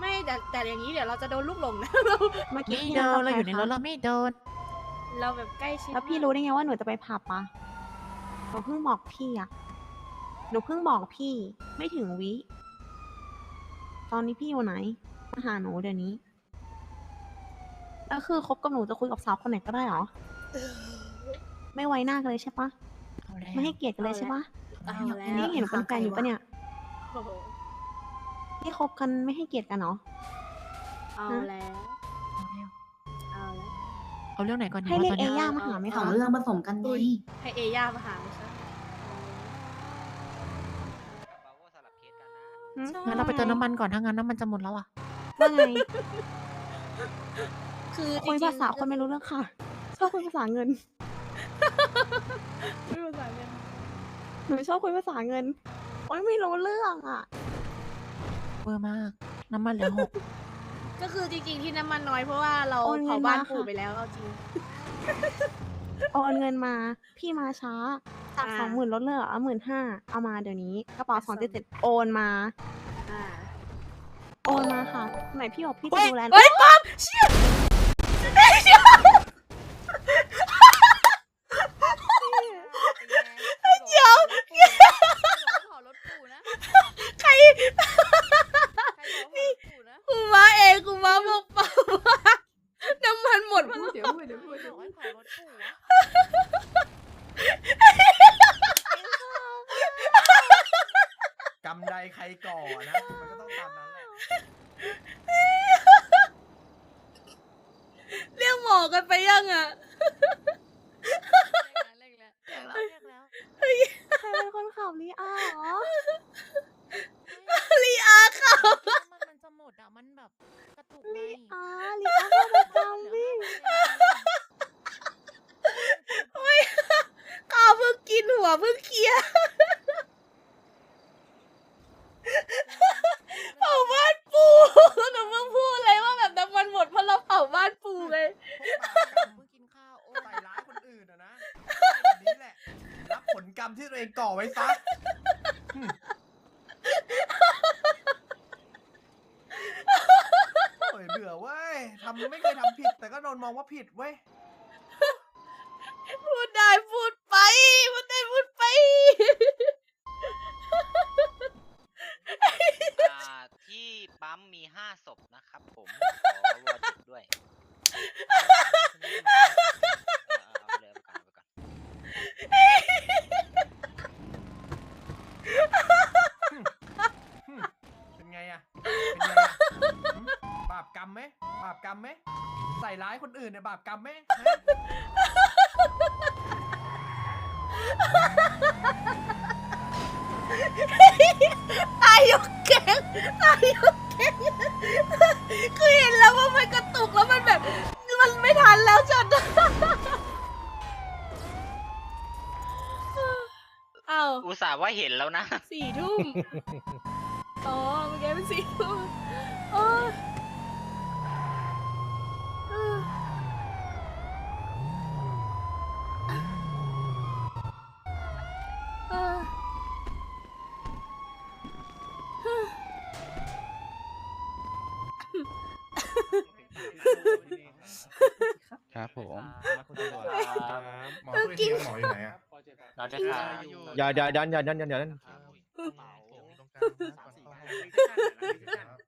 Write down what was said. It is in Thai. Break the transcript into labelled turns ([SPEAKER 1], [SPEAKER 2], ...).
[SPEAKER 1] ไม่แต่อย่างนี้เดี๋ยวเราจะโดนลูกหลงนะ
[SPEAKER 2] เมื่อกี้
[SPEAKER 3] ไม่
[SPEAKER 2] พี่
[SPEAKER 3] โด
[SPEAKER 2] นั่ง
[SPEAKER 3] น
[SPEAKER 2] กับ
[SPEAKER 3] เราอยู่ใน
[SPEAKER 2] ใค
[SPEAKER 3] รถ
[SPEAKER 2] คะ
[SPEAKER 3] เราไม่โดน
[SPEAKER 1] เราแบบใกล้ชิด
[SPEAKER 2] แล้วพี่
[SPEAKER 1] มาก
[SPEAKER 2] รู้ได้ไงว่าหนูจะไปผับอะหนูเพิ่งบอกพี่อะหนูเพิ่งบอกพี่ไม่ถึงวิ ตอนนี้พี่อยู่ไหนมาหาหนูเดี๋ยวนี้แล้วคือคบกับหนูจะคุยกับสาวคนไหนก็ได้เหรอ ไม่ไว้หน้ากันเลยใช่ปะ
[SPEAKER 3] เอาแล้ว
[SPEAKER 2] ไม่ให้เกียรติกันเลยใช่ปะ
[SPEAKER 1] เอาแล้ว
[SPEAKER 2] นี่เห็นหนูเป็นแฟนอยู่ปะเนี่ย
[SPEAKER 1] โอ้โห
[SPEAKER 2] นี่คบกันไม่ให้เกียรติกันเหรอ
[SPEAKER 1] เอาแล้ว เอาแล้ว
[SPEAKER 3] เอาเรื่องไหนก่อนดี
[SPEAKER 2] ให้
[SPEAKER 3] วะ
[SPEAKER 2] เรีย
[SPEAKER 3] ต
[SPEAKER 2] ก
[SPEAKER 3] อน
[SPEAKER 2] เอ
[SPEAKER 3] เนี้ย
[SPEAKER 2] ย่ามาหาไหม
[SPEAKER 4] สอ
[SPEAKER 2] คะ
[SPEAKER 4] งเรื่องผสมกันไง
[SPEAKER 1] อุ๊ย ให้เอย่ามาหาไม่ใช่
[SPEAKER 2] หืม
[SPEAKER 3] งั้นเราไปเติมน้ำมันก่อนถ้างั้นน้ำมันจะหมดแล้วอ่ะ
[SPEAKER 2] ว่าไง
[SPEAKER 1] คือจ
[SPEAKER 2] คุย
[SPEAKER 1] ริงๆ
[SPEAKER 2] ภาษาคนไม่รู้เรื่องค่ะ ชอบคุยภาษาเงิน
[SPEAKER 1] คุยภาษาเงิน
[SPEAKER 2] หนูชอบคุยภาษาเงิน โอ้ยไม่รู้เรื่องอ่ะ
[SPEAKER 3] เวอร์มาก น้ำมันเหลือ 6
[SPEAKER 1] ก็คือจริงๆที่น้ำมันน้อยเพราะว่าเรา
[SPEAKER 2] โอนเงิน
[SPEAKER 1] เผาบ้าน
[SPEAKER 2] มา
[SPEAKER 1] ปู่
[SPEAKER 2] ค่ะ
[SPEAKER 1] ไปแล้วเอาจริง
[SPEAKER 2] โอนเงินมา พี่มาช้า จาก
[SPEAKER 1] อ่า
[SPEAKER 2] 20,000ลดเหลือ15,000เอามาเดี๋ยวนี้ กระเป๋า277โอนมา
[SPEAKER 1] อ่า
[SPEAKER 2] โอนมาค่ะ ไหนพี่บอกพี่จะดูแล
[SPEAKER 1] เฮ้ยป๊อปเชี่ยเชี่ย เดี๋ยว ใครกูมาเองกูมาบอกเปล่าว่าน้ำมันหมดเพราะเรา
[SPEAKER 4] เดี๋ยวพูด
[SPEAKER 3] บอกให้เผารถปู่อะ
[SPEAKER 5] กำใดใครก่อนะ มันก็ต้องตามนั้นแหละ
[SPEAKER 1] เรียกหมอกันไปยังอ่ะ
[SPEAKER 3] เรียกแล้ว
[SPEAKER 2] ใครเป็นคนขับลีอาเหรอ
[SPEAKER 1] ลีอาค่ะ
[SPEAKER 3] น้ำมันจะหมดอ่ะ มันแบบกระตุกไง
[SPEAKER 2] ลีอาเข้าประจำพี่
[SPEAKER 1] ไม่ข้าวเพิ่งกินหัวเพิ่งเคลียร์เผาบ้านปูหนูเพิ่งพูดเลยว่าแบบน้ำมันหมดเพราะเราเผาบ้านปูไง
[SPEAKER 3] เพิ่งกินข้าวโอ้
[SPEAKER 5] ใส่ร้ายคนอื่นอะนะแบบนี้แหละ รับผลกรรมที่ตัวเองก่อไว้ซะโอ้ยเบื่อเว้ยไม่เคยทำผิด แต่ก็โดนมองว่าผิดเว้ย
[SPEAKER 1] พูดได้พูดไปพูดได้พูดไป
[SPEAKER 6] ที่ปั๊มมี5 ศพนะครับผม ขอวอจุดด้วยเอาเลยเอาไปก่อน
[SPEAKER 5] เป็นไงอะเป็นไงอะหึบาปกรรมไหมบาปกรรมไหมใส่ร้ายคนอื่นเนี่ยบาปกรรมไหมฮะ
[SPEAKER 1] ตายยกแกงตายยกแกงคือเห็นแล้วว่ามันกระตุกแล้วมันแบบ มันไม่ทันแล้วจัดอ้าว
[SPEAKER 6] อุตส่าห์ว่าเห็นแล้วนะ
[SPEAKER 1] 4 ทุ่มอ๋อเมื่อกี้เป็น4 ทุ่มโอ้ยเออ
[SPEAKER 7] ครับผม
[SPEAKER 8] หมอช่วยทีหมออยู่ไหนอ่ะ
[SPEAKER 6] เราจะทา
[SPEAKER 7] อย่าดัน
[SPEAKER 8] ตรงกลางนะก่อนเข้าห้อง